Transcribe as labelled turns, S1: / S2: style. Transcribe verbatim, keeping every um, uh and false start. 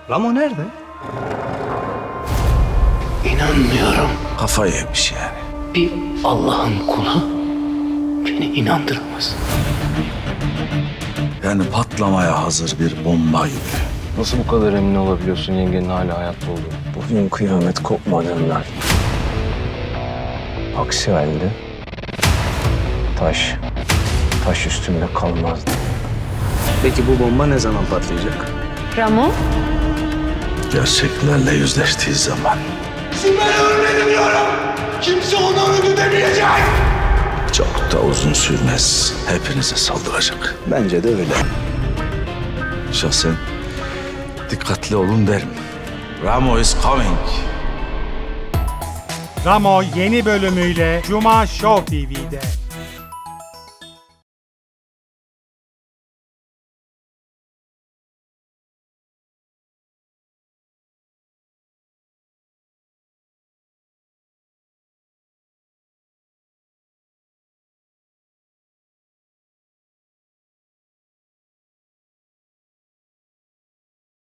S1: Ramo nerede?
S2: İnanmıyorum.
S3: Kafayı yemiş yani.
S2: Bir Allah'ın kulu beni inandıramaz.
S3: Yani patlamaya hazır bir bomba gibi.
S4: Nasıl bu kadar emin olabiliyorsun yengenin hala hayatta olduğunu? Bugün kıyamet kopmadığından. Aksi halde taş, taş üstünde kalmazdı.
S1: Peki bu bomba ne zaman patlayacak?
S5: Ramo?
S3: Gerçeklerle yüzleştiği zaman. Çok da uzun sürmez. Hepinize saldıracak.
S1: Bence de öyle.
S3: Şahsen dikkatli olun derim. Ramo is coming.
S6: Ramo yeni bölümüyle Cuma Show T V'de.